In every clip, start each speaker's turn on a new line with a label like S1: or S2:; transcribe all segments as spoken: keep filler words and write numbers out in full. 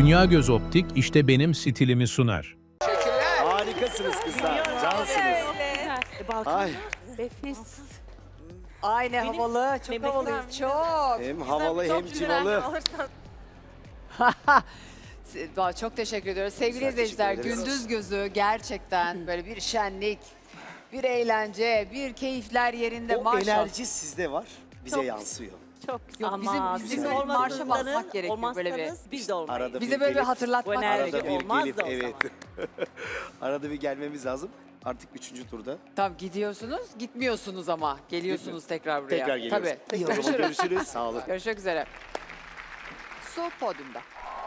S1: Dünya Göz Optik işte benim stilimi sunar.
S2: Harikasınız kızlar. Cansınız. Ay
S3: Nefis.
S4: Ay ne havalı, çok
S3: Bebekler
S4: havalıyız,
S3: mi?
S4: çok.
S2: hem havalı hem civalı.
S4: Vay, çok teşekkür ediyoruz. Sevgili
S2: Güzel,
S4: izleyiciler,
S2: teşekkür ederiz.
S4: gündüz gözü gerçekten böyle bir şenlik, bir eğlence, bir keyifler yerinde
S2: O
S4: maşallah.
S2: enerji sizde var, bize
S3: Çok-
S2: yansıyor.
S3: Çok güzel.
S4: Yok, bizim-
S3: Ama
S4: bizim
S3: siz
S4: böyle bir marşa
S3: olmazsanız-
S4: basmak gerekiyor böyle bir.
S3: olmazsanız biz de olmayız.
S2: Arada
S4: Bize
S2: bir
S4: böyle bir
S2: gelip-
S4: hatırlatmak
S3: Bu enerji
S2: Arada
S4: gerekiyor.
S2: bir
S3: olmaz
S2: gelip,
S3: da o
S2: evet. Arada bir gelmemiz lazım. Artık üçüncü turda.
S4: Tamam, gidiyorsunuz, gitmiyorsunuz ama. Geliyorsunuz tekrar buraya.
S2: Tekrar geliyoruz.
S4: Tabii.
S2: İyi o zaman görüşürüz. Sağ olun.
S4: Görüşmek üzere. Su podyumda.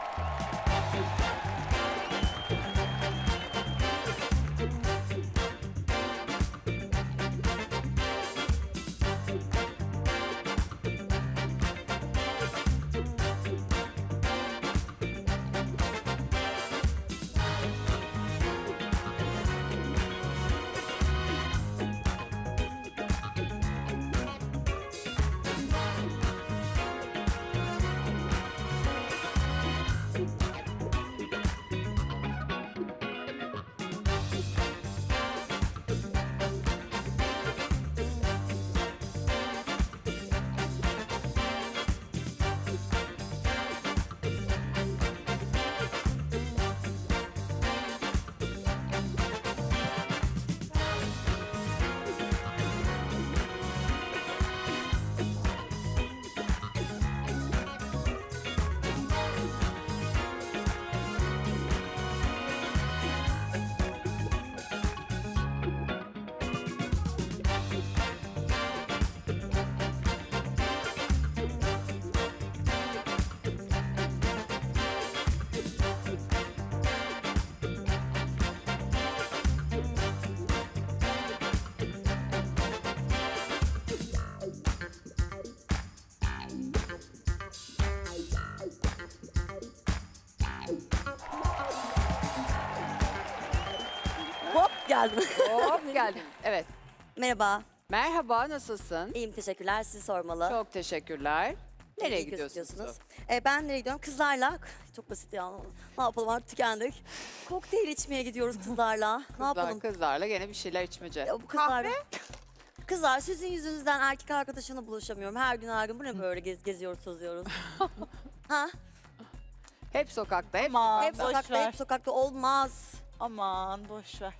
S5: Hop geldim.
S4: Hop geldin. Evet.
S5: Merhaba.
S4: Merhaba, nasılsın?
S5: İyiyim teşekkürler. Sizi sormalı.
S4: Çok teşekkürler. Nereye
S5: İyi
S4: gidiyorsunuz?
S5: gözüküyorsunuz. Ee, ben nereye gidiyorum? Kızlarla. Çok basit ya. Ne yapalım artık tükendik. Kokteyl içmeye gidiyoruz kızlarla. ne
S4: Kızlar,
S5: yapalım?
S4: kızlarla gene bir şeyler içmece.
S5: Ya bu kızlar... Kızlar sizin yüzünüzden erkek arkadaşımla buluşamıyorum. Her gün her gün bu ne böyle gez, geziyoruz tozuyoruz. ha?
S4: Hep sokakta, hep
S3: Aman
S5: Hep
S3: boş
S5: sokakta
S3: ver.
S5: hep sokakta olmaz.
S3: Aman boş ver.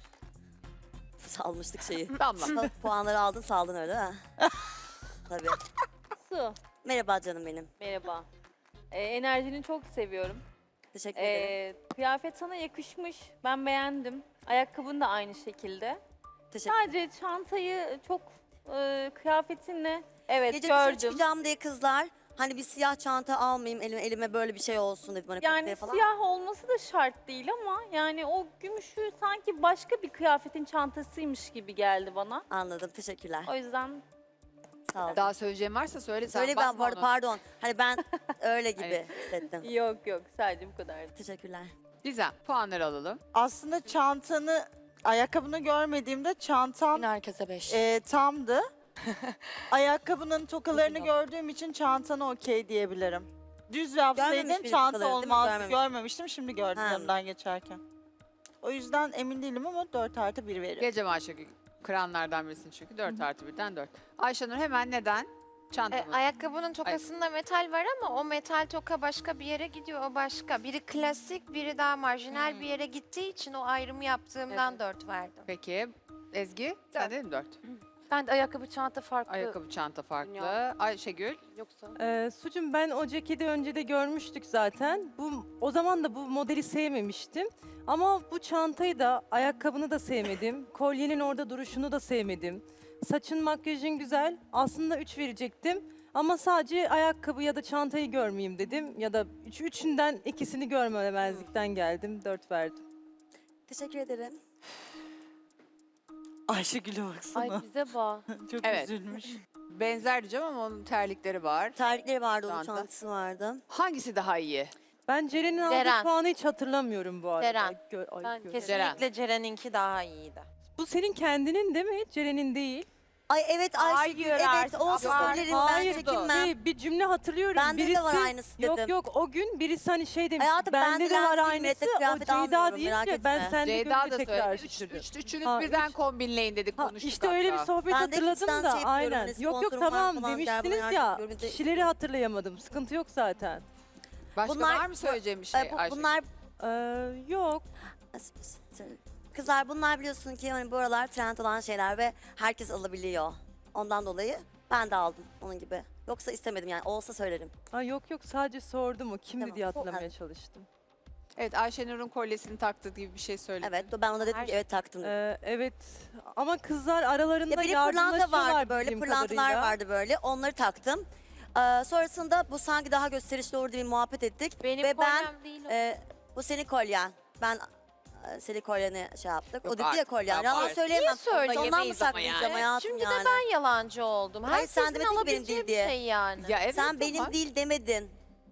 S5: Salmıştık şeyi.
S4: damla.
S5: Pa- Puanları aldın saldın öyle değil mi? Tabii.
S6: Su,
S5: Merhaba canım benim.
S6: merhaba. Ee, enerjini çok seviyorum.
S5: Teşekkür ederim.
S6: Ee, kıyafet sana yakışmış. Ben beğendim. Ayakkabın da aynı şekilde.
S5: Teşekkür ederim.
S6: Sadece çantayı çok e, kıyafetinle evet
S5: Gece dışarı
S6: gördüm.
S5: çıkacağım diye kızlar hani bir siyah çanta almayayım elime, elime böyle bir şey olsun dedim. Hani kokteyl
S6: Yani
S5: falan.
S6: siyah olması da şart değil ama yani o gümüşü sanki başka bir kıyafetin çantasıymış gibi geldi bana.
S5: Anladım teşekkürler.
S6: O yüzden
S5: Sağ olun.
S4: Daha söyleyeceğim varsa söyle sen.
S5: Söyle ben
S4: bakma
S5: bu arada
S4: ona.
S5: pardon. Hani ben öyle gibi
S4: Hani-
S5: hissettim.
S6: yok yok sadece bu kadardı.
S5: Teşekkürler.
S4: Gizem, puanları alalım.
S3: Aslında çantanı, ayakkabını görmediğimde çantan
S7: Herkese beş.
S3: e, tamdı. Ayakkabının tokalarını gördüğüm için çantana okey diyebilirim. Düz yapsaydın
S5: Görmemiş miydik
S3: çanta
S5: tokaları, değil mi?
S3: olmaz.
S5: Görmemiş.
S3: Görmemiştim, şimdi gördüm
S5: Ha.
S3: yanından geçerken. O yüzden emin değilim ama dört artı bir veririm.
S4: Gece Ayşegül, kıranlardan birisin çünkü. dört artı birden dört. Ayşenur hemen neden?
S7: E,
S4: Çantamı.
S7: ayakkabının tokasında metal var ama o metal toka başka bir yere gidiyor, o başka. Biri klasik, biri daha marjinal bir yere gittiği için o ayrımı yaptığımdan
S4: Evet.
S7: dört verdim.
S4: Peki, Ezgi, sen de mi dört?
S7: Ben de ayakkabı çanta farklı.
S4: Ayakkabı, çanta farklı.
S7: Dünya.
S4: Ayşegül,
S7: Yoksa
S8: Ee, Sucum ben o ceketi önce de görmüştük zaten. Bu o zaman da bu modeli sevmemiştim. Ama bu çantayı da, ayakkabını da sevmedim. Kolyenin orada duruşunu da sevmedim. Saçın, makyajın güzel. Aslında üç verecektim. Ama sadece ayakkabı ya da çantayı görmeyeyim dedim. Ya da üç, üçünden ikisini görmemezlikten geldim. Dört verdim.
S5: Teşekkür ederim.
S3: Ayşegül'e baksana.
S7: ay bize bak.
S3: Çok
S4: Evet.
S3: üzülmüş.
S4: benzer diyeceğim ama onun terlikleri var.
S5: Terlikleri vardı, onun
S4: Çanta.
S5: çantası vardı.
S4: Hangisi daha iyi?
S8: Ben Ceren'in aldığı
S7: Ceren.
S8: puanı hiç hatırlamıyorum bu arada.
S7: Ceren.
S8: Gö- ay,
S7: Ben
S8: gö-
S7: kesinlikle Ceren'inki daha iyiydi.
S8: Bu senin kendinin değil mi? Ceren'in değil.
S5: Ay evet Ayşegül,
S4: Hayır
S5: evet
S4: artık,
S5: olsa
S4: abart-
S5: söylerim ben
S8: Hayır,
S5: çekinmem.
S8: şey, bir cümle hatırlıyorum.
S5: Bende de
S8: birisi,
S5: var aynısı dedim.
S8: Yok yok o gün birisi hani şey demiş.
S5: Hayatım,
S8: bende
S5: bende
S8: de var
S5: değil,
S8: aynısı.
S5: millete
S8: O
S5: kıyafet
S8: Ceyda
S5: almıyorum,
S8: deyince
S5: merak
S8: ben
S5: etme.
S8: sende
S4: Ceyda
S8: görünce
S4: da
S8: tekrar
S4: söyledi. Üç,
S8: şaşırdım.
S4: üç, üçünüz
S8: Ha,
S4: birden
S8: üç.
S4: kombinleyin dedik
S8: Ha,
S4: konuştuk
S8: işte öyle bir
S4: hatta.
S8: sohbet
S5: Ben de
S8: hatırladım
S5: hepsinden
S8: da
S5: şey yapıyorum,
S8: aynen.
S5: hani
S8: Yok yok
S5: sponsorum var
S8: tamam
S5: falan, gel
S8: demiştiniz
S5: bana
S8: ya.
S5: yardım et.
S8: Kişileri hatırlayamadım. Sıkıntı yok zaten.
S4: Başka
S5: Bunlar-
S4: var mı söyleyeceğim bir şey
S5: Ay, bu-
S4: Ayşegül?
S5: bunlar
S8: Ee, yok.
S5: kızlar bunlar biliyorsun ki hani bu aralar trend olan şeyler ve herkes alabiliyor. Ondan dolayı ben de aldım onun gibi. Yoksa istemedim yani olsa söylerim.
S8: Ha, yok yok sadece sordum o kimdi
S5: Tamam.
S8: diye hatırlamaya çalıştım.
S4: Evet Ayşenur'un kolyesini taktığı gibi bir şey söyledi.
S5: Evet ben ona dedim
S7: Her
S5: ki
S7: şey-
S5: evet taktım dedim.
S8: Ee, evet ama kızlar aralarında
S5: Ya bir de pırlanta
S8: yardımlaşıyorlar
S5: vardı böyle,
S8: bildiğim
S5: pırlantalar
S8: kadarıyla.
S5: vardı böyle. Onları taktım. Ee, sonrasında bu sanki daha gösterişli olur diye muhabbet ettik.
S7: Benim
S5: Ve ben
S7: kolyem değil o.
S5: e, bu senin kolyen. Ben e, senin kolyeni şey yaptık.
S4: Yok
S5: o dedi ya
S4: artık,
S5: kolyen.
S4: yapma
S5: Yalan
S4: artık.
S5: söyleyemem.
S7: Niye söyleyemeyiz
S5: Ondan mı
S4: ama
S5: saklayacağım
S4: yani?
S5: hayatım
S7: Şimdi
S5: yani?
S7: de ben yalancı oldum.
S5: Hayır,
S7: Herkesin
S5: sen demedin ki benim
S7: alabileceği
S5: değil
S7: bir
S5: diye.
S7: şey yani.
S4: Ya evet,
S5: Sen benim
S4: tamam.
S5: değil demedin.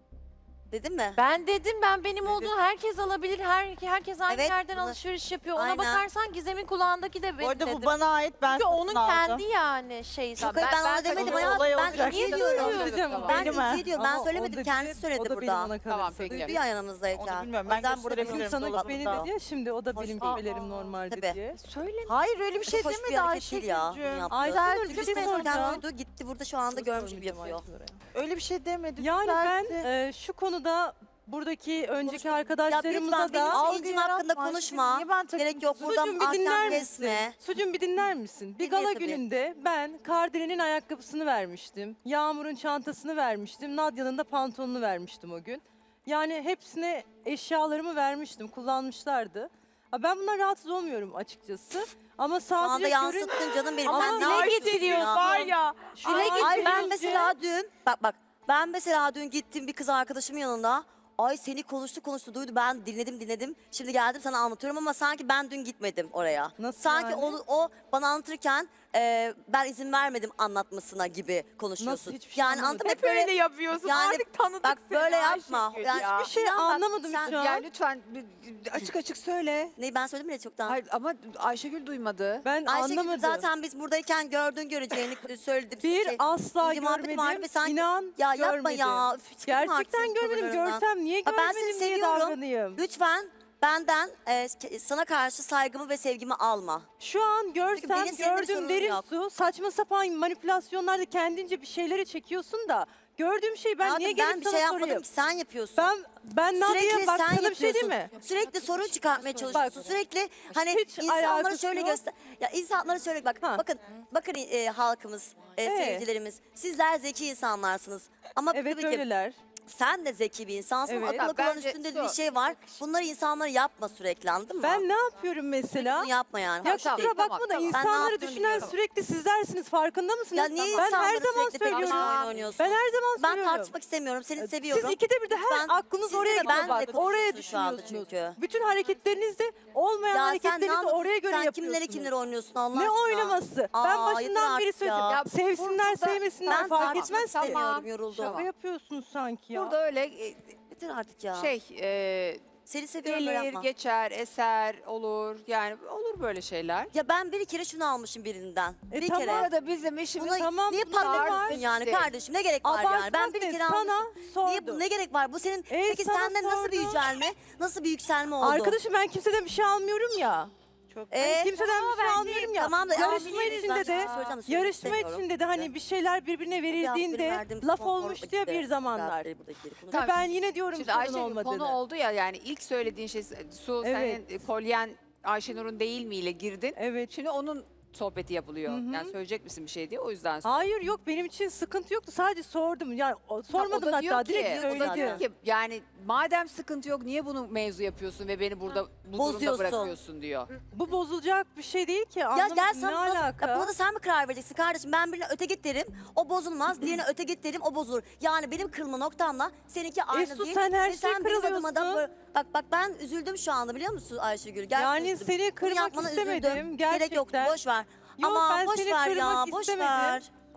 S5: Dedin mi?
S7: Ben dedim ben benim olduğunu herkes alabilir. Her, herkes aynı
S5: Evet,
S7: yerden
S5: bunu-
S7: alışveriş yapıyor. Ona
S5: Aynen.
S7: bakarsan Gizem'in kulağındaki de
S3: Bu
S7: benim
S3: arada
S7: dedim.
S3: bu bana ait, ben
S7: Çünkü
S3: satın
S7: onun
S3: aldım.
S7: kendi yani şeyi.
S5: Yok hayır, ben, ona demedim
S3: olay
S5: hayatım. Ben
S3: olacak.
S5: ikiye
S7: Niye
S5: diyorum.
S8: Söyleyeceğim,
S4: Tamam.
S5: Ben
S3: Benim ha.
S5: ikiye diyorum. Ben
S8: Ama o
S5: söylemedim.
S8: da
S5: Kendisi
S8: bilir,
S5: söyledi
S8: o da
S5: burada.
S8: benim ona
S4: Tamam,
S8: kalırsa.
S4: peki.
S5: Duydu ya yanımızdayken.
S3: Onu bilmiyorum.
S5: O
S3: Ben
S5: yüzden burada
S3: gösterebilirim.
S5: benim
S8: Sana
S3: Dolabında.
S8: beni dedi ya şimdi o da
S5: Hoş-
S8: benim
S5: Aa,
S8: gibilerim normalde
S5: tabii.
S8: diye.
S7: Söyle.
S3: Hayır öyle bir şey
S5: Çok hoş bir
S3: demedi
S5: hareket değil ya. bunu
S3: Ayşegül'cüğüm.
S5: yaptı.
S8: Ayşenur, bir
S5: Çünkü
S8: şey
S5: Facebook'tan
S8: soracağım.
S5: duydu, gitti burada şu anda görmüş gibi yapıyor.
S3: Öyle bir şey demedi.
S8: Yani ben
S3: düzeltti.
S8: e, şu konuda buradaki önceki
S5: Ya
S8: arkadaşlarımıza
S5: lütfen benim
S8: da
S3: Algı
S5: ilgim hakkında
S3: yaratma
S5: konuşma.
S3: Ayşegül, niye ben takım
S5: Gerek yok
S3: tutuyorum?
S5: buradan
S8: Sucum bir dinler
S5: ahkam
S8: misin?
S5: kesme.
S8: Sucum bir dinler misin? Bir
S5: Dinlerim
S8: gala
S5: tabii.
S8: gününde ben Kardelen'in ayakkabısını vermiştim. Yağmur'un çantasını vermiştim. Nadia'nın da pantolonunu vermiştim o gün. Yani hepsine eşyalarımı vermiştim. Kullanmışlardı. Ha, ben bundan rahatsız olmuyorum açıkçası. Ama
S5: Şu anda
S8: sadece görün...
S5: yansıttın canım benim.
S8: Ama
S5: Sen ne
S8: dile
S5: yapıyorsun
S8: getiriyorsun.
S5: ya?
S8: Var
S3: ya.
S8: Şu
S5: Ay,
S8: an
S5: ay ben
S8: görünce-
S5: mesela dün bak bak ben mesela dün gittim bir kız arkadaşımın yanında. Ay seni konuştu konuştu duydu ben dinledim dinledim. Şimdi geldim sana anlatıyorum ama sanki ben dün gitmedim oraya.
S8: Nasıl
S5: sanki
S8: yani?
S5: o, o bana anlatırken e, ben izin vermedim anlatmasına gibi konuşuyorsun.
S8: Nasıl? Hiçbir şey
S5: yani
S8: anlamadım.
S5: anladın mı?
S4: Hep öyle yapıyorsun.
S5: Yani
S4: Artık tanıdık
S5: bak
S4: seni
S5: böyle yapma.
S4: Ayşegül
S5: Yani
S4: ya.
S8: Hiçbir şey
S5: inan bak,
S8: anlamadım
S5: sen-
S8: şu an.
S4: Ya lütfen bir- açık açık söyle.
S5: Neyi ben söyledim bile çoktan.
S4: Hayır ama Ayşegül duymadı.
S8: Ben
S5: Ayşegül
S8: anlamadım.
S5: zaten biz buradayken gördün göreceğini söyledim.
S8: Bir
S5: Şey,
S8: asla
S5: ince muhabbet vardı
S8: görmedim.
S5: ve sanki-
S8: İnan
S5: ya yapma
S8: görmedim.
S5: ya. Üf, çıkın artık
S8: Gerçekten
S5: senin
S8: görmedim.
S5: tavırlarından.
S8: Görsem niye
S5: Ha, ben
S8: görmedim
S5: seni
S8: diye
S5: seviyorum.
S8: davranayım.
S5: Lütfen benden e, sana karşı saygımı ve sevgimi alma.
S8: Şu an görsem
S5: benim seninle bir
S8: gördüğüm
S5: sorunum
S8: derin
S5: yok.
S8: su saçma sapan manipülasyonlarda kendince bir şeyleri çekiyorsun da gördüğüm şey ben
S5: Hayatım,
S8: niye gelip
S5: ben bir
S8: sana
S5: şey yapmadım
S8: sorayım?
S5: ki sen yapıyorsun.
S8: Ben ben Nadia'ya
S5: Sürekli
S8: bak
S5: sen
S8: sana bir şey değil
S5: yapıyorsun.
S8: mi?
S5: Sürekli sorun çıkartmaya çalışıyorsun. Sürekli hani
S8: Hiç
S5: insanlara
S8: alakası
S5: şöyle
S8: yok.
S5: göster. Ya insanlara şöyle bak.
S8: Ha.
S5: Bakın bakın e, halkımız, e,
S8: Evet.
S5: seyircilerimiz. Sizler zeki insanlarsınız. Ama
S8: Evet
S5: tabii ki
S8: öyleler.
S5: sen de zeki bir insansın.
S8: Evet.
S5: Akıllı
S4: Ya
S5: kulağın
S4: bence
S5: üstünde
S4: şu-
S5: bir şey var. Bunları insanlara yapma sürekli anladın mı?
S8: Ben ne yapıyorum mesela?
S5: Bunu yapma yani.
S8: Ya
S5: Hoş
S4: tamam,
S5: değil.
S8: kusura bakma
S4: tamam,
S8: da
S4: tamam.
S5: Ben ne
S8: insanları
S5: yaptığını
S8: düşünen
S5: biliyorum.
S8: sürekli sizlersiniz farkında mısınız?
S5: Ya niye
S8: ben her
S5: insanları
S8: zaman
S5: sürekli tek başına
S8: söylüyorum.
S5: oyun oynuyorsun?
S8: Ben her zaman
S5: Ben
S8: söylüyorum.
S5: tartışmak istemiyorum. Seni seviyorum.
S8: Siz ikide bir de her
S5: Lütfen,
S8: aklınız
S5: sizle
S8: oraya
S5: de
S8: gidiyor
S5: benle
S8: bak. Oraya
S5: konuşuyorsun şu anda
S8: düşünüyorsunuz.
S5: çünkü.
S8: Bütün hareketlerinizde olmayan
S5: Ya sen ne
S8: hareketlerinizi
S5: anladın?
S8: oraya göre
S5: Sen
S8: yapıyorsunuz.
S5: kimleri kimleri oynuyorsun Allah
S8: Ne
S5: aşkına?
S8: oynaması?
S5: Aa,
S8: ben
S5: yeter
S8: başından beri
S5: artık
S8: söyledim.
S5: ya.
S8: Ya, sevsinler
S4: burada-
S8: sevmesinler
S5: Ben
S8: fark
S5: tartışmak
S8: etmez.
S4: Tamam.
S5: istemiyorum yoruldum.
S8: Şaka yapıyorsunuz sanki ya.
S4: Burada öyle e,
S5: Yeter artık ya.
S4: şey e,
S5: Seni seviyorum böyle
S4: gelir,
S5: yapma.
S4: geçer, eser olur. Yani olur böyle şeyler.
S5: Ya ben bir kere şunu almışım birinden.
S8: E
S5: bir
S8: tamam.
S5: kere.
S4: Burada bizim işimiz
S5: Buna
S8: Tamam,
S5: niye
S8: bu da
S5: patlıyorsun
S8: var.
S5: yani
S4: Size.
S5: kardeşim? Ne gerek var yani? Ben
S8: Abartmak
S5: bir
S8: ne?
S5: kere
S8: Sana
S5: almışım. Niye,
S8: sordum.
S5: ne gerek var? Bu senin
S8: E,
S5: peki
S8: sana
S5: senden nasıl bir
S8: sordum.
S5: yücelme? Nasıl bir yükselme oldu?
S8: Arkadaşım ben kimseden bir şey almıyorum ya.
S3: Çok
S5: Ee,
S8: Kimseden bir şey almıyorum ya.
S5: Tamam da
S8: yarışma
S5: almayabiliriz.
S8: içinde
S5: Ben
S8: de
S5: şimdi söyleyeceğim de söylemek
S8: yarışma
S5: istemiyorum.
S8: içinde de hani bir şeyler birbirine
S5: Bir hafta benim
S8: verildiğinde
S5: verdiğim
S8: laf
S5: konfor
S8: olmuştu ya
S5: gitti.
S8: bir zamanlar.
S5: Gayet buradaki yeri konuşuyoruz.
S4: Tamam,
S8: Ve ben yine diyorum
S4: Şimdi
S8: sorun
S4: Ayşegül
S8: olmadığını.
S4: konu oldu ya yani ilk söylediğin şey Su
S8: Evet.
S4: senin kolyen Ayşenur'un değil miyle girdin.
S8: Evet.
S4: Şimdi onun sohbeti yapılıyor.
S8: Hı hı.
S4: Yani söyleyecek misin bir şey diye o yüzden sordum.
S8: Hayır yok benim için sıkıntı yoktu. Sadece sordum. Yani o-
S4: Ha,
S8: sormadım
S4: o da diyor
S8: hatta
S4: ki,
S8: direkt
S5: o da
S4: o da diyor
S8: söyledim.
S4: ki yani madem sıkıntı yok niye bunu mevzu yapıyorsun ve beni burada bu durumda
S5: Bozuyorsun.
S4: bırakıyorsun diyor.
S8: Bu bozulacak bir şey değil ki.
S5: Ya
S8: Anlamadım
S5: gel
S8: ne
S5: sen nasıl,
S8: alaka?
S5: ya buna da sen mi karar vereceksin kardeşim? Ben birine öte git derim, o bozulmaz. Diğerine öte git derim, o bozulur. Yani benim kırılma noktamla seninki aynı
S8: Esu,
S5: değil.
S8: sen her
S5: Ve
S8: şeye
S5: sen benim adıma da
S8: kırılıyorsun.
S5: böyle- Bak bak ben üzüldüm şu anda biliyor musun Ayşegül? Gerçekten
S8: Yani
S5: üzüldüm.
S8: seni
S5: Bunu
S8: kırmak
S5: yapmana
S8: istemedim,
S5: üzüldüm. Gerek yok
S8: gerçekten.
S5: boş ver.
S8: Yok,
S5: Ama
S8: ben
S5: boş
S8: seni
S5: ver ya
S8: kırmak
S5: boş
S8: istemedim.
S5: ver.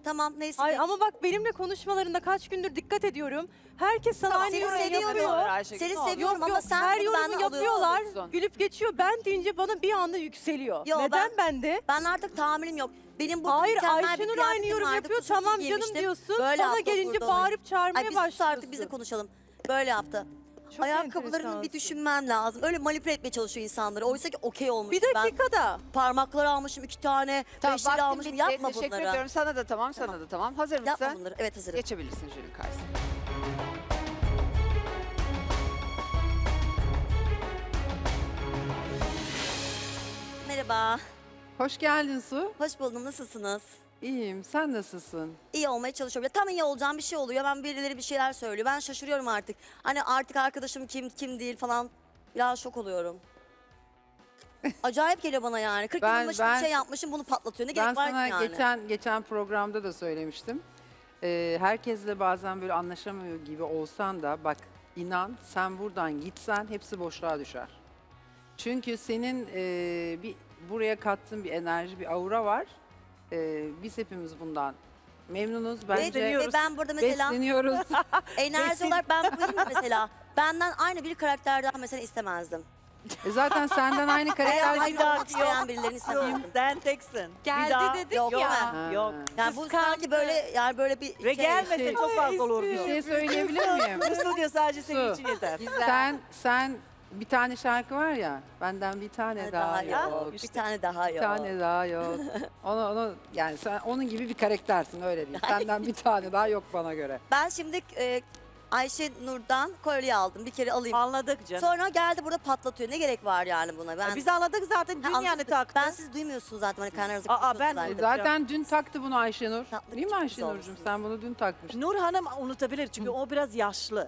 S5: tamam neyse.
S8: Ay ama bak benimle konuşmalarında kaç gündür dikkat ediyorum. Herkes sana aynı
S5: seni
S8: yorumu
S5: seviyorum.
S8: yapıyor.
S4: Ayşegül,
S5: Seni
S4: ne olur.
S5: seviyorum
S8: Yok
S5: ama
S8: yok
S5: sen
S8: her
S5: bunu
S8: yorumu
S5: benden
S8: yapıyorlar.
S4: alıyorsun.
S8: Gülüp geçiyor. Ben deyince bana bir anda yükseliyor.
S5: Yo,
S8: Neden
S5: ben-
S8: bende?
S5: Ben artık tahammülüm yok. Benim bu
S8: Hayır
S5: mükemmel bir
S8: Ayşenur aynı
S5: kıyafetim
S8: yorum
S5: vardı,
S8: yapıyor.
S5: kusursuz
S8: Tamam canım
S5: giymiştim.
S8: diyorsun.
S5: Böyle
S8: Bana
S5: yaptı
S8: gelince
S5: burada onu.
S8: bağırıp çağırmaya
S5: Ay biz sus
S8: başlıyorsun.
S5: artık biz de konuşalım. Böyle yaptı.
S8: Çok
S5: Ayakkabılarını bir
S8: enteresansın.
S5: düşünmem lazım. Öyle manipüle etmeye çalışıyor insanları. Oysa ki okey olmuş.
S8: Bir dakikada.
S5: Ben parmakları almışım iki tane,
S4: Tamam,
S5: beşleri
S4: vaktin
S5: almışım.
S4: bitti.
S5: Yapma
S4: Teşekkür
S5: bunları.
S4: ediyorum. Sana da tamam, sana da tamam. Hazır mısın?
S5: Yapma bunları. Evet hazırım.
S4: Geçebilirsin jürinin karşısına.
S5: Merhaba.
S9: Hoş geldin Su.
S5: Hoş buldum. Nasılsınız?
S9: İyiyim. Sen nasılsın?
S5: İyi olmaya çalışıyorum. Ya tam iyi olacağım bir şey oluyor. Ben birileri bir şeyler söylüyor. Ben şaşırıyorum artık. Hani artık arkadaşım kim kim değil falan. Biraz şok oluyorum. Acayip geliyor bana yani. kırk
S9: Ben-
S5: yılın başında
S9: ben-
S5: bir şey yapmışım bunu patlatıyor. Ne
S9: Ben
S5: gerek var ki
S9: sana
S5: yani?
S9: geçen geçen programda da söylemiştim. Ee, herkesle bazen böyle anlaşamıyor gibi olsan da bak inan sen buradan gitsen hepsi boşluğa düşer. Çünkü senin e, bir buraya kattığın bir enerji, bir aura var. Ee, biz hepimiz bundan memnunuz.
S5: Ve,
S9: Bence
S5: ve ben burada mesela
S9: besleniyoruz.
S5: enerji olarak ben buyum ya mesela. Benden aynı bir karakterden mesela istemezdim.
S9: E zaten senden aynı
S5: Veya
S9: karakter
S5: aynı olmak isteyen birilerini istemezdim.
S3: Sen teksin.
S8: Geldi dedik
S5: Yok
S8: ya.
S5: değil mi?
S9: Ha.
S3: Yok.
S5: Yani bu sanki böyle yani böyle bir
S3: Ve
S5: şey.
S3: gelmese
S9: şey-
S3: çok fazla olur
S9: Bir
S3: diyor.
S9: şey söyleyebilir miyim?
S3: Bu stüdyo sadece senin
S9: Su.
S3: için yeter.
S4: Güzel.
S9: Sen sen bir tane şarkı var ya. Benden bir tane
S5: Bir
S9: daha,
S5: daha
S9: yok.
S5: yok. Bir tane daha
S9: Bir
S5: yok.
S9: tane daha yok. Onu onu yani sen onun gibi bir karaktersin öyle değil. Senden bir tane daha yok bana göre.
S5: Ben şimdi e, Ayşe Nur'dan kolye aldım. Bir kere alayım.
S3: Anladık canım.
S5: Sonra geldi burada patlatıyor. Ne gerek var yani buna? Ben
S3: Biz anladık zaten
S5: Ha,
S3: dün yani
S5: anladım.
S3: taktı.
S5: Ben siz duymuyorsunuz zaten hani karnınızı
S3: Aa,
S5: konuşuyorsunuz
S3: ben-
S9: E
S5: zaten.
S9: zaten dün taktı bunu Ayşenur.
S5: Tatlı
S9: Değil mi
S5: çok
S9: Ayşenur'cum?
S5: güzel
S9: Sen bunu dün takmıştın.
S3: Nur Hanım unutabilir çünkü o biraz yaşlı.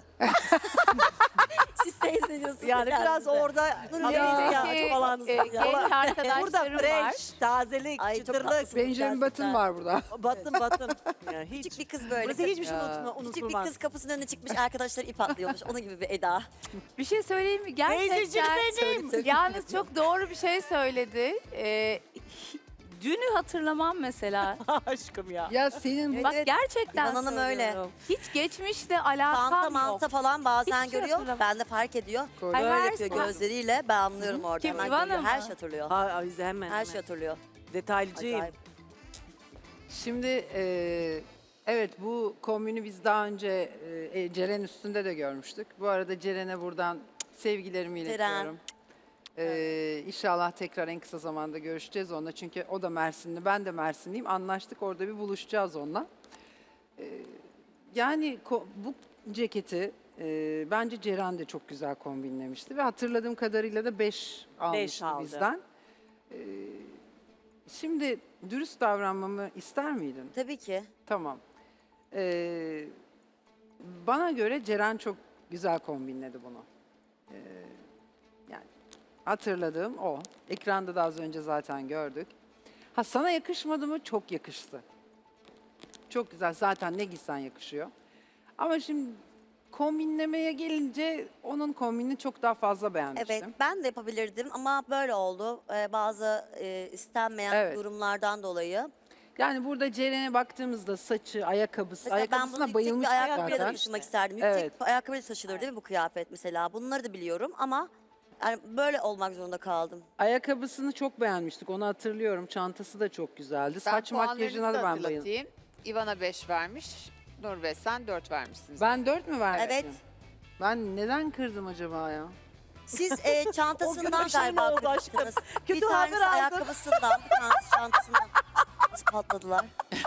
S5: Siz teyze ediyorsunuz.
S3: Yani biraz orada
S5: Nur
S3: Ama
S5: ya.
S3: ihtiyacı olan
S7: e, genç
S3: Burada
S7: arkadaşlarım var.
S3: fresh, tazelik,
S5: Ay, çok
S3: çıtırlık.
S5: haklısınız
S9: Benjamin
S5: gerçekten.
S9: Button var burada.
S3: Batın batın. Yani hiç.
S5: Küçük bir kız böyle.
S3: Burası hiçbir şey
S9: Ya.
S3: unutma,
S5: Küçük bir
S3: unutulmaz.
S5: kız kapısının önüne çıkmış arkadaşları ip atlıyormuş. Onun gibi bir Eda.
S7: Bir şey söyleyeyim mi?
S3: Teyzeciğim
S7: Gerçekten
S3: benim.
S7: yalnız çok doğru bir şey söyledi. Ee, dünü hatırlamam mesela.
S3: Aşkım ya.
S9: Ya senin
S7: Bak
S5: Evet,
S7: gerçekten
S5: İvan Hanım öyle.
S7: söylüyorum. Hiç geçmişle
S5: Çanta
S7: alakam yok.
S5: manta falan bazen
S7: Hiçbir şey
S5: görüyor.
S7: hatırlamam.
S5: Ben de fark ediyor.
S9: Kolye.
S5: Böyle
S7: Her
S5: yapıyor
S7: zaman-
S5: gözleriyle. Ben anlıyorum orada.
S7: Kim,
S5: Hemen
S7: İvan
S5: görüyor.
S7: mı?
S5: Her şey hatırlıyor.
S3: Ha, bize hemen.
S5: Her
S3: hemen.
S5: şey hatırlıyor.
S3: Detaylıcıyım.
S5: Acayip.
S9: Şimdi e, evet bu kombini biz daha önce e, Ceren üstünde de görmüştük. Bu arada Ceren'e buradan sevgilerimi
S5: Ceren.
S9: iletiyorum. E, İnşallah tekrar en kısa zamanda görüşeceğiz onunla. Çünkü o da Mersinli, ben de Mersinliyim. Anlaştık orada bir buluşacağız onunla. E, yani ko- bu ceketi e, bence Ceren de çok güzel kombinlemişti. Ve hatırladığım kadarıyla da beş almıştı
S3: aldı.
S9: bizden. E, şimdi dürüst davranmamı ister miydin?
S5: Tabii ki.
S9: Tamam. Ee, bana göre Ceren çok güzel kombinledi bunu. Ee, yani hatırladığım o. Ekranda da az önce zaten gördük. Ha sana yakışmadı mı? Çok yakıştı. Çok güzel. Zaten ne giysen yakışıyor. Ama şimdi kombinlemeye gelince onun kombinini çok daha fazla beğenmiştim.
S5: Evet ben de yapabilirdim ama böyle oldu. Ee, bazı e, istenmeyen
S9: Evet.
S5: durumlardan dolayı.
S9: Yani burada Ceren'e baktığımızda saçı, ayakkabısı,
S5: Mesela ben bunu
S9: ayakkabısına
S5: yüksek
S9: bayılmıştık
S5: bir ayakkabıyla da
S9: zaten.
S5: taşımak isterdim. Yüksek
S9: Evet.
S5: bir ayakkabıyla taşınır değil mi bu kıyafet mesela? Bunları da biliyorum ama yani böyle olmak zorunda kaldım.
S9: Ayakkabısını çok beğenmiştik. Onu hatırlıyorum. Çantası da çok güzeldi.
S4: Ben
S9: Saç
S4: puanlarınızı
S9: makyajına da ben bayıldım.
S4: hatırlatayım. İvan'a beş vermiş. Nur ve sen dört vermişsiniz.
S9: Ben dört mü vermiştim?
S5: Evet.
S9: Ben neden kırdım acaba ya?
S5: Siz e,
S3: O gün
S5: çantasından
S3: bir şey mi
S5: galiba
S3: oldu aşkım?
S5: kırmıştınız. Bir
S3: Kötü
S5: tanesi
S3: haber aldım.
S5: ayakkabısından, bir tanesi çantasından. Nasıl patladılar?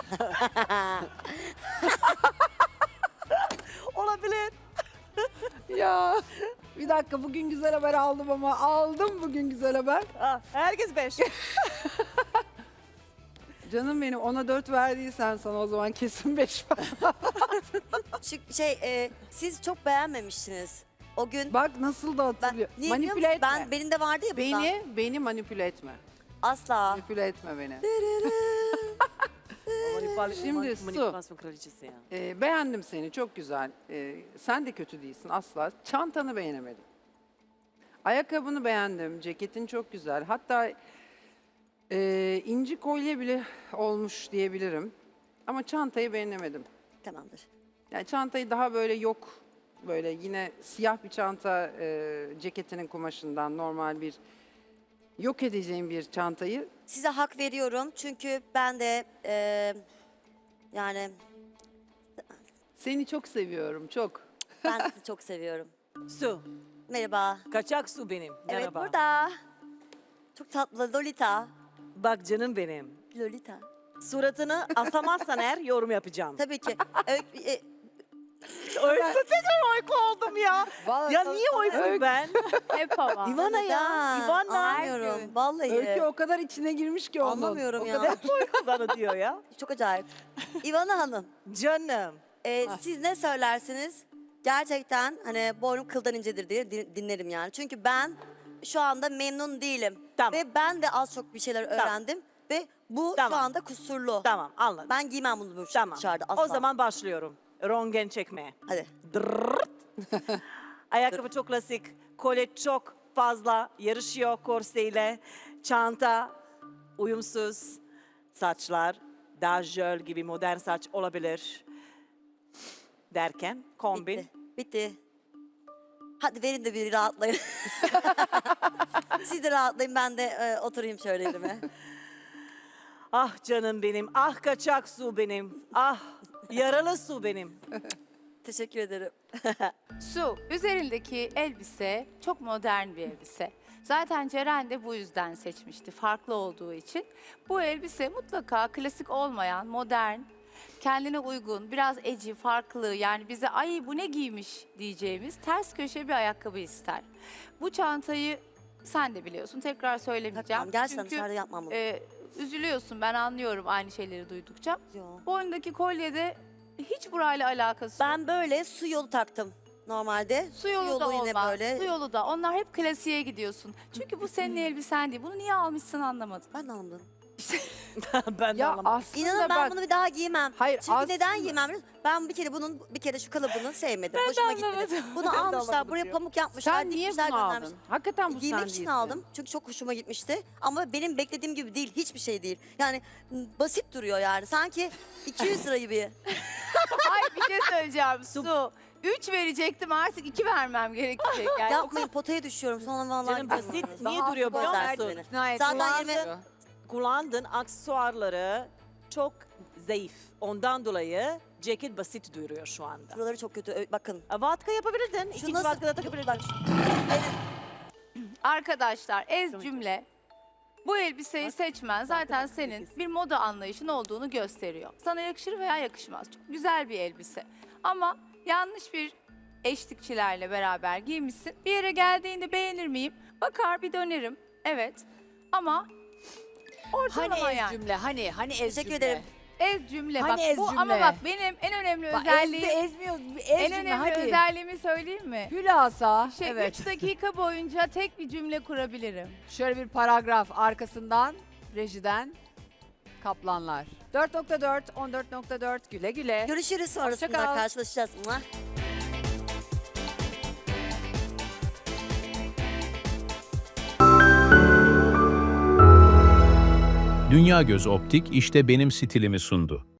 S3: Olabilir.
S9: Ya bir dakika bugün güzel haber aldım ama aldım bugün güzel haber.
S3: Ha, herkes beş.
S9: Canım benim ona dört verdiysen sana o zaman kesin beş ver.
S5: Şu şey, e, siz çok beğenmemiştiniz. O gün
S9: Bak nasıl da
S5: ben,
S9: hatırlıyor.
S5: niye biliyor
S9: Manipüle
S5: musun?
S9: etme.
S5: Ben, benim de vardı ya bundan.
S9: Beni, beni manipüle etme.
S5: Asla.
S9: Manipüle etme beni. Şimdi su.
S3: Manipülasyon kraliçesi ya.
S9: Ee, beğendim seni çok güzel. Ee, sen de kötü değilsin asla. Çantanı beğenemedim. Ayakkabını beğendim. Ceketin çok güzel. Hatta e, inci kolye bile olmuş diyebilirim. Ama çantayı beğenemedim.
S5: Tamamdır.
S9: Yani çantayı daha böyle yok, böyle yine siyah bir çanta e, ceketinin kumaşından normal bir yok edeceğim bir çantayı.
S5: Size hak veriyorum çünkü ben de eee, yani
S9: Seni çok seviyorum, çok.
S5: ben sizi çok seviyorum.
S10: Su.
S5: Merhaba.
S10: Kaçak su benim.
S5: Evet
S10: Merhaba.
S5: burada. Çok tatlı Lolita.
S10: Bak canım benim.
S5: Lolita.
S10: Suratını asamazsan eğer yorum yapacağım.
S5: Tabii ki. Öykü, e,
S10: Öyle tekrar oyku oldum ya.
S9: Vallahi
S10: Ya niye oykum ben?
S6: Hep hava.
S10: İvana ya.
S5: neden?
S10: İvana.
S5: Anlamıyorum. Vallahi.
S9: Öykü o kadar içine girmiş ki onun.
S5: Anlamıyorum
S9: O
S5: ya.
S9: kadar-
S10: Hep oyku bana diyor ya.
S5: Çok acayip. İvana Hanım.
S10: Canım.
S5: e, siz ne söylersiniz? Gerçekten hani boynum kıldan incedir diye din- dinlerim yani. Çünkü ben şu anda memnun değilim.
S10: Tamam.
S5: Ve ben de az çok bir şeyler
S10: Tamam.
S5: öğrendim. Ve bu
S10: Tamam.
S5: şu anda kusurlu.
S10: Tamam anladım.
S5: Ben giymem bunu bu-
S10: Tamam.
S5: dışarıda asla.
S10: O zaman başlıyorum. Rongen çekmeye.
S5: Hadi.
S10: Dırrrt. Ayakkabı çok klasik. Kolye çok fazla yarışıyor korseyle. Çanta uyumsuz. Saçlar daha jöl gibi modern saç olabilir. Derken kombin.
S5: Bitti. Bitti. Hadi verin de bir rahatlayın. Siz de rahatlayın ben de e, oturayım şöyle elime.
S10: Ah canım benim. Ah kaçak su benim. Ah yaralı su benim.
S5: Teşekkür ederim.
S11: Su, üzerindeki elbise çok modern bir elbise. Zaten Ceren de bu yüzden seçmişti, farklı olduğu için. Bu elbise mutlaka klasik olmayan, modern, kendine uygun, biraz eci, farklı, yani bize ay bu ne giymiş diyeceğimiz ters köşe bir ayakkabı ister. Bu çantayı sen de biliyorsun, tekrar söylemeyeceğim.
S5: Takmam. Gerçekten
S11: Çünkü
S5: dışarıda yapmam bunu.
S11: e, üzülüyorsun, ben anlıyorum aynı şeyleri duydukça.
S5: Yo.
S11: Boynundaki kolyede hiç burayla alakası yok.
S5: Ben böyle su yolu taktım normalde.
S11: Su yolu da
S5: yine
S11: olmaz.
S5: böyle.
S11: Su yolu da. Onlar hep klasiğe gidiyorsun. Çünkü bu senin elbisen değil. Bunu niye almışsın anlamadım.
S5: Ben de anlamadım.
S10: Ben de
S9: Ya
S10: anlamadım.
S9: aslında
S5: İnanın ben
S9: bak,
S5: bunu bir daha giymem.
S9: hayır
S5: Çünkü
S9: aslında,
S5: neden giymem? biliyor musun? Ben bir kere bunun bir kere şu kalıbını sevmedim. Hoşuma gitmedi.
S11: anlamadım.
S5: Bunu
S10: Ben de
S5: almışlar,
S10: anlamadım
S5: buraya
S10: diyor.
S5: pamuk yapmışlar,
S9: sen niye
S5: dikmişler,
S9: bunu
S5: göndermişler.
S9: aldın? Hakikaten bu
S5: Giymek
S9: sen
S5: için
S9: değilsin.
S5: aldım çünkü çok hoşuma gitmişti. Ama benim beklediğim gibi değil, hiçbir şey değil. Yani m, basit duruyor yani. Sanki iki yüz lira gibi.
S11: Ay bir şey söyleyeceğim. Su. Üç verecektim artık iki vermem gerekecek. Yani
S5: Yapmayın, potaya düşüyorum. Sonra vallahi
S10: Canım
S5: gidiyorum.
S10: basit niye duruyor biliyor
S5: bozersin
S10: musun?
S5: beni.
S4: İkna et.
S5: Zaten
S4: Kullandın.
S5: yirmi
S10: Kullandığın aksesuarları çok zayıf. Ondan dolayı ceket basit duruyor şu anda.
S5: Buraları çok kötü. Ö- Bakın.
S10: E, Vatka yapabilirdin.
S5: Şu
S10: İkinci
S5: nasıl-
S10: vatka da takabilirdin.
S5: Bak,
S11: arkadaşlar ez cümle. Bu elbiseyi seçmen zaten senin bir moda anlayışın olduğunu gösteriyor. Sana yakışır veya yakışmaz. Çok güzel bir elbise. Ama yanlış bir eşlikçilerle beraber giymişsin. Bir yere geldiğinde beğenir miyim? Bakar bir dönerim. Evet. Ama ortalama
S4: Hani ez
S11: yani.
S4: cümle, hani, hani ez
S5: Teşekkür
S4: cümle.
S5: ederim.
S11: Ez cümle.
S4: Hani
S11: bak
S4: ez
S11: bu ama
S4: cümle?
S11: bak benim en önemli
S4: Bak,
S11: özelliğim.
S4: ezdi, ezmiyor. Ez
S11: en
S4: cümle,
S11: önemli
S4: hadi.
S11: özelliğimi söyleyeyim mi?
S4: Hülasa,
S11: Şey,
S4: evet.
S11: üç dakika boyunca tek bir cümle kurabilirim.
S4: Şöyle bir paragraf arkasından, rejiden kaplanlar. dört nokta dört, on dört nokta dört güle güle.
S5: Görüşürüz sonrasında
S4: kal.
S5: karşılaşacağız. Mua.
S1: Dünya Göz Optik işte benim stilimi sundu.